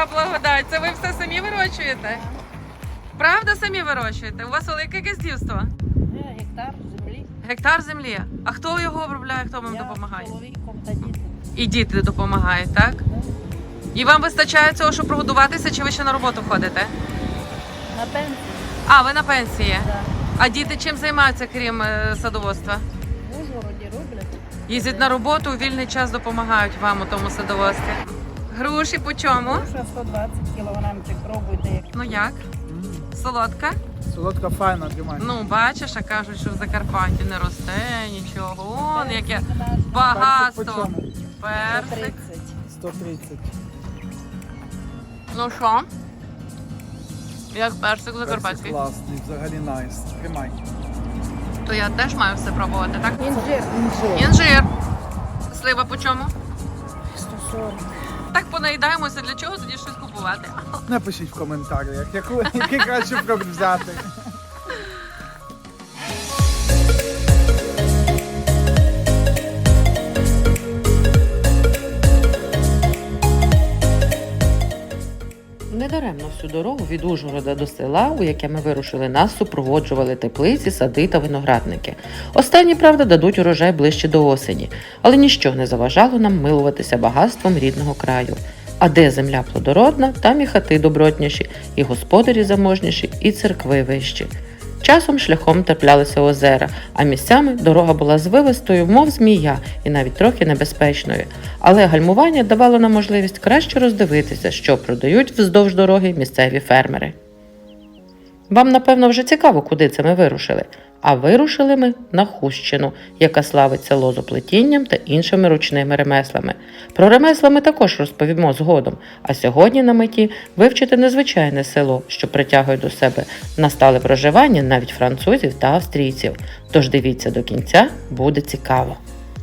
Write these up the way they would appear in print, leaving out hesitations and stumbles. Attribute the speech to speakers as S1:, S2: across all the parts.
S1: яка благодать. Це ви все самі вирощуєте? Правда, самі вирощуєте? У вас велике газдівство?
S2: Гектар землі.
S1: Гектар землі. А хто його обробляє, хто вам допомагає?
S2: Я з чоловіком та діти.
S1: І діти допомагають, так? І вам вистачає цього, щоб прогодуватися, чи ви ще на роботу ходите?
S2: На пенсії.
S1: А, ви на пенсії?
S2: Да.
S1: А діти чим займаються, крім садоводства?
S2: В Ужгороді роблять.
S1: Їздять на роботу, у вільний час допомагають вам у тому садоводстві. Груші по чому?
S2: Груша 120 кілограмчик, пробуйте. Як.
S1: Ну як? Солодка?
S3: Солодка файна, тримай.
S1: Ну, бачиш, а кажуть, що в Закарпатті не росте нічого. Он яке
S2: Персик наш
S3: Персик по
S1: багатство.
S3: чому?
S1: Персик.
S2: 130.
S3: 130.
S1: Ну що? Як персик
S3: Персик
S1: закарпатський?
S3: класний, взагалі найс. Тримай.
S1: То я теж маю все пробувати, так?
S2: Інжир.
S1: Інжир. Слива по чому?
S2: 140.
S1: Так понаїдаємося, для чого тоді щось купувати?
S3: Напишіть в коментарях, який краще фрукт взяти.
S4: Недаремно всю дорогу від Ужгорода до села, у яке ми вирушили, нас супроводжували теплиці, сади та виноградники. Останні, правда, дадуть урожай ближче до осені, але ніщо не заважало нам милуватися багатством рідного краю. А де земля плодородна, там і хати добротніші, і господарі заможніші, і церкви вищі. Часом шляхом траплялися озера, а місцями дорога була звивистою, мов змія, і навіть трохи небезпечною. Але гальмування давало нам можливість краще роздивитися, що продають вздовж дороги місцеві фермери. Вам, напевно, вже цікаво, куди це ми вирушили. А вирушили ми на Хустщину, яка славиться лозоплетінням та іншими ручними ремеслами. Про ремесла ми також розповімо згодом, а сьогодні на меті вивчити незвичайне село, що притягує до себе на стале проживання навіть французів та австрійців. Тож дивіться до кінця, буде цікаво.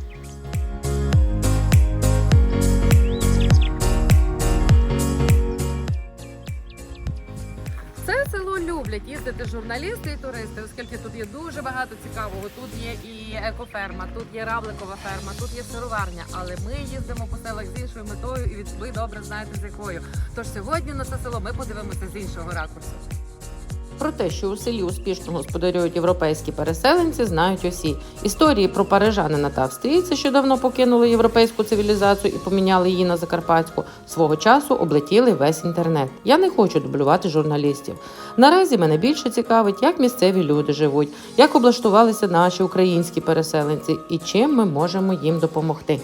S1: Це село люблять їздити журналісти і туристи, оскільки тут є дуже багато цікавого. Тут є і екоферма, тут є равликова ферма, тут є сироварня. Але ми їздимо по селах з іншою метою, і ви добре знаєте з якою. Тож сьогодні на це село ми подивимося з іншого ракурсу.
S4: Про те, що у селі успішно господарюють європейські переселенці, знають усі. Історії про парижанина та австрійця, що давно покинули європейську цивілізацію і поміняли її на закарпатську, свого часу облетіли весь інтернет. Я не хочу дублювати журналістів. Наразі мене більше цікавить, як місцеві люди живуть, як облаштувалися наші українські переселенці і чим ми можемо їм допомогти.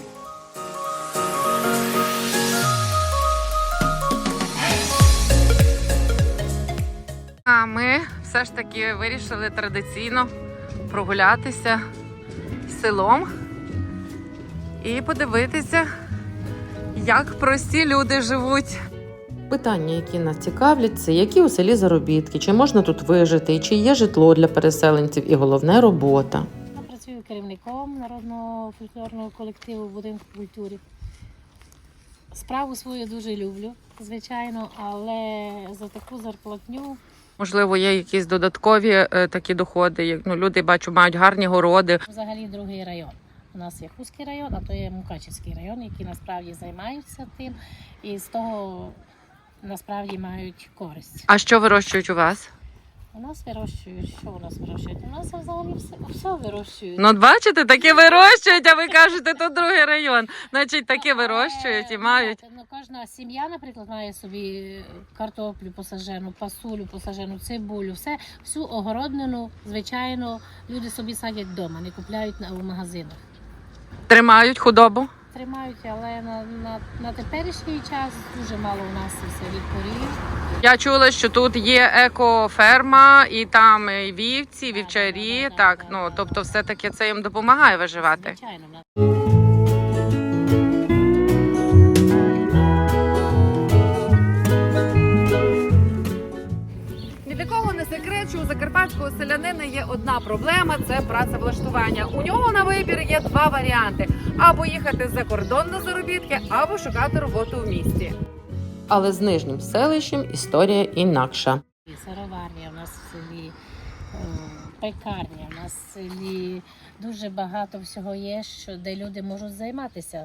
S1: А ми все ж таки вирішили традиційно прогулятися селом і подивитися, як прості люди живуть.
S4: Питання, які нас цікавлять, це які у селі заробітки, чи можна тут вижити, і чи є житло для переселенців, і головне – робота.
S2: Я працюю керівником народного фольклорного колективу в будинку культури. Справу свою дуже люблю, звичайно, але за таку зарплатню.
S1: Можливо, є якісь додаткові такі доходи. Люди, бачу, мають гарні городи.
S2: Взагалі другий район. У нас є Хустський район, а то є Мукачівський район, які насправді займаються тим і з того насправді мають користь.
S1: А що вирощують у вас?
S2: У нас вирощують, що у нас вирощують? У нас взагалі все вирощують.
S1: Ну, бачите, такі вирощують, а ви кажете, тут другий район. Значить, такі вирощують і мають.
S2: Ну, кожна сім'я, наприклад, має собі картоплю посаджену, пасулю посаджену, цибулю, всю огороднину, звичайно, люди собі садять вдома, не купляють у магазинах.
S1: Тримають худобу?
S2: Тримають, але на теперішній час дуже мало у нас все корів.
S1: Я чула, що тут є екоферма, і там і вівці, і вівчарі. Так, ну, тобто все-таки це їм допомагає виживати.
S2: Звичайно.
S1: Ні для кого не секрет, що у закарпатського селянина є одна проблема – це працевлаштування. У нього на вибір є два варіанти – або їхати за кордон на заробітки, або шукати роботу в місті.
S4: Але з нижнім селищем історія інакша.
S2: Сироварня у нас в селі, пекарня у нас в селі. Дуже багато всього є, де люди можуть займатися.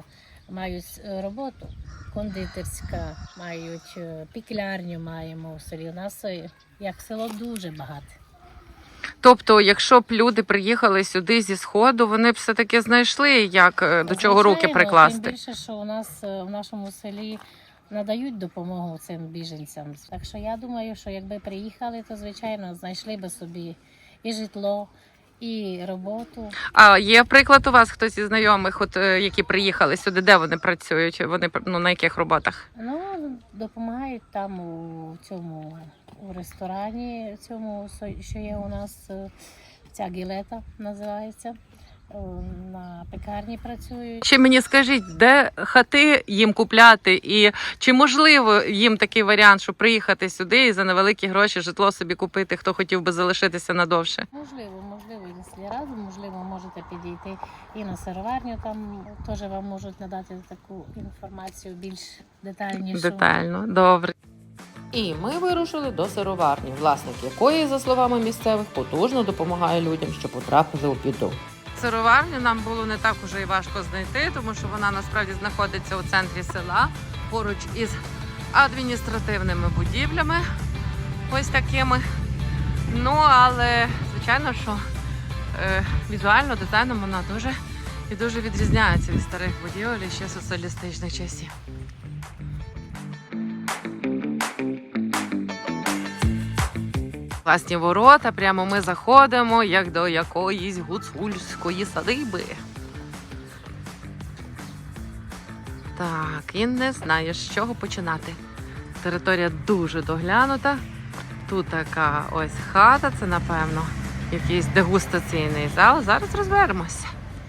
S2: мають роботу. Кондитерська, мають піклярню маємо в селі. У нас як село дуже багато.
S1: Тобто, якщо б люди приїхали сюди зі Сходу, вони б все-таки знайшли, як до чого руки
S2: Звичайно,
S1: прикласти.
S2: Тим більше, що у нас в нашому селі надають допомогу цим біженцям. Так що я думаю, що якби приїхали, то звичайно знайшли би собі і житло, і роботу.
S1: А є приклад у вас хтось із знайомих, от які приїхали сюди, де вони працюють? Вони на яких роботах?
S2: Ну, допомагають там у цьому у ресторані, цьому, що є у нас, ця гілета називається. На пекарні працюють.
S1: Ще мені скажіть, де хати їм купляти, і чи можливо їм такий варіант, щоб приїхати сюди і за невеликі гроші житло собі купити, хто хотів би залишитися надовше?
S2: Можливо, і на селі разом, можливо, можете підійти і на сироварню, там теж вам можуть надати таку інформацію більш детальнішу.
S1: Детально, добре.
S4: І ми вирушили до сироварні, власник якої, за словами місцевих, потужно допомагає людям, що потрапили у біду.
S1: Сироварню нам було не так уже і важко знайти, тому що вона насправді знаходиться у центрі села, поруч із адміністративними будівлями, ось такими. Ну, але, звичайно, що візуально, дизайном вона дуже відрізняється від старих будівель ще соціалістичних часів. Власні ворота, прямо ми заходимо, як до якоїсь гуцульської садиби. Так, і не знаю, з чого починати. Територія дуже доглянута. Тут така ось хата, це, напевно, якийсь дегустаційний зал. Зараз розберемося.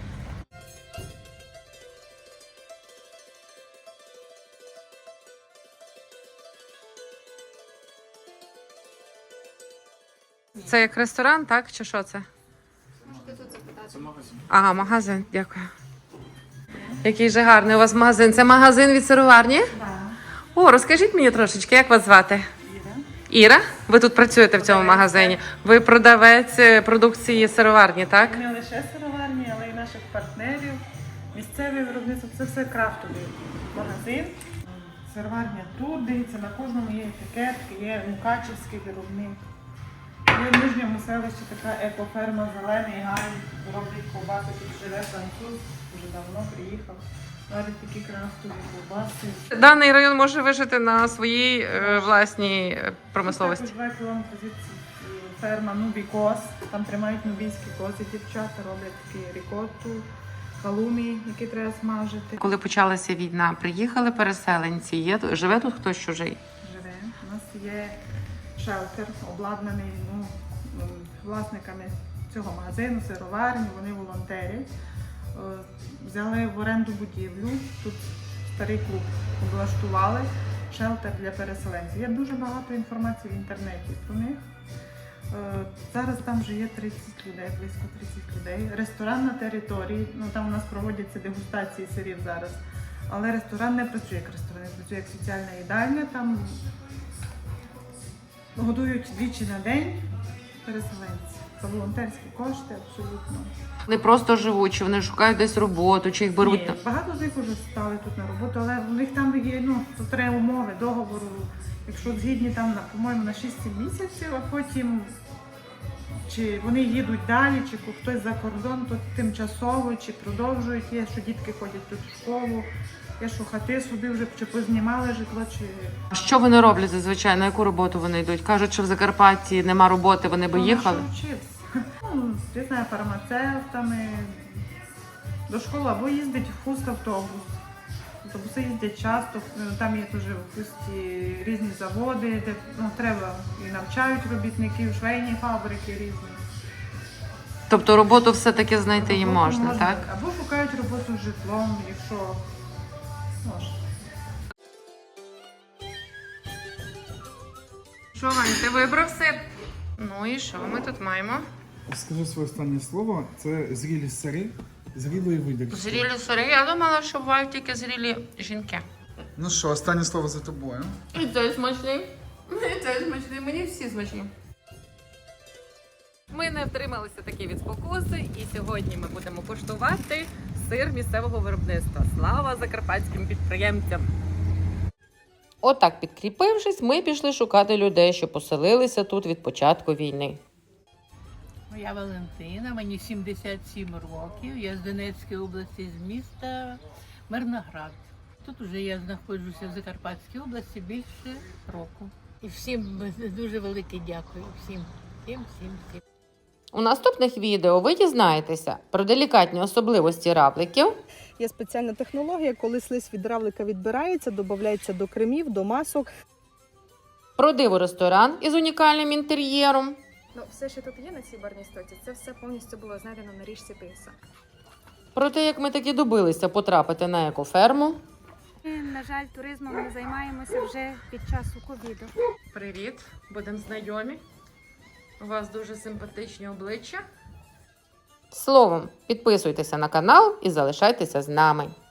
S1: Це як ресторан, так? Чи що це?
S3: Це магазин.
S1: Ага, магазин, дякую. Який же гарний у вас магазин. Це магазин від сироварні?
S5: Так,
S1: О, розкажіть мені трошечки, як вас звати?
S5: Іра.
S1: Іра? Ви тут працюєте в цьому магазині. Ви продавець продукції сироварні, так?
S5: Не лише сироварні, але й наших партнерів. Місцеве виробництво це все крафтовий магазин. Сироварня тут, дивіться, на кожному є етикетки, є мукачівський виробник. Є в Нижньому селищі така екоферма Зелений Гай, роблять ковбаси, тут живе француз, вже давно приїхав. Варять такі крафтові ковбаси.
S1: Даний район може вижити на своїй власній промисловості.
S5: Так, 2 кілометри звідси ферма Нубі Кос, там тримають нубійські кози, дівчата роблять такі рікотту, халумі, які треба смажити.
S1: Коли почалася війна, приїхали переселенці. Живе тут хтось чужий?
S5: Живе. У нас є шелтер, обладнаний власниками цього магазину, сироварні, вони волонтерять. Взяли в оренду будівлю, тут старий клуб облаштували, шелтер для переселенців. Є дуже багато інформації в інтернеті про них. Зараз там вже є 30 людей, близько 30 людей. Ресторан на території, ну там у нас проводяться дегустації сирів зараз. Але ресторан не працює як ресторан, він працює як соціальна їдальня. Там годують двічі на день переселенці. За волонтерські кошти абсолютно.
S1: Вони просто живуть, чи вони шукають десь роботу, чи їх беруть
S5: Ні,
S1: на...
S5: багато з них вже стали тут на роботу, але в них там є, тут треба умови, договору. Якщо згідні там, по-моєму, на 6-7 місяців, а потім чи вони їдуть далі, чи хтось за кордон, то тимчасово, чи продовжують. Є, що дітки ходять тут в школу, є, що хати собі вже чи познімали житло, чи...
S1: Що вони роблять зазвичай? На яку роботу вони йдуть? Кажуть, що в Закарпатті нема роботи, вони би їхали?
S5: Ну, що вчився? Я знаю, фармацевтами, до школи або їздить в автобус. Автобуси їздять часто, там є дуже в Хусті різні заводи, де треба і навчають робітників, швейні фабрики різні.
S1: Тобто роботу все-таки знайти їм
S5: Роботу
S1: можна, так?
S5: Або шукають роботу з житлом, якщо можна.
S1: Що, Вань, ти вибрав сир? Ну і що ми тут маємо?
S3: Скажи своє останнє слово. Це зрілі сири, зрілої видержки.
S1: Зрілі сири. Я думала, що бувають тільки зрілі жінки.
S3: Ну що, останнє слово за тобою.
S1: І цей смачний. І цей смачний. Мені всі смачні. Ми не втрималися таки від спокуси, і сьогодні ми будемо куштувати сир місцевого виробництва. Слава закарпатським підприємцям!
S4: Отак, підкріпившись, ми пішли шукати людей, що поселилися тут від початку війни.
S6: Я Валентина, мені 77 років. Я з Донецької області, з міста Мирноград. Тут уже я знаходжуся в Закарпатській області більше року. І всім дуже велике дякую. Всім.
S4: У наступних відео ви дізнаєтеся про делікатні особливості равликів,
S7: Є спеціальна технологія, коли слизь від равлика відбирається, додається до кремів, до масок.
S4: про диво-ресторан із унікальним інтер'єром,
S8: Ну, все, що тут є на цій барній стоці, це все повністю було знайдено на річці Тиса.
S4: про те, як ми таки добилися потрапити на екоферму,
S9: Ми, на жаль, туризмом не займаємося вже під часу ковіду.
S1: Привіт, будемо знайомі. У вас дуже симпатичні обличчя.
S4: Словом, підписуйтеся на канал і залишайтеся з нами.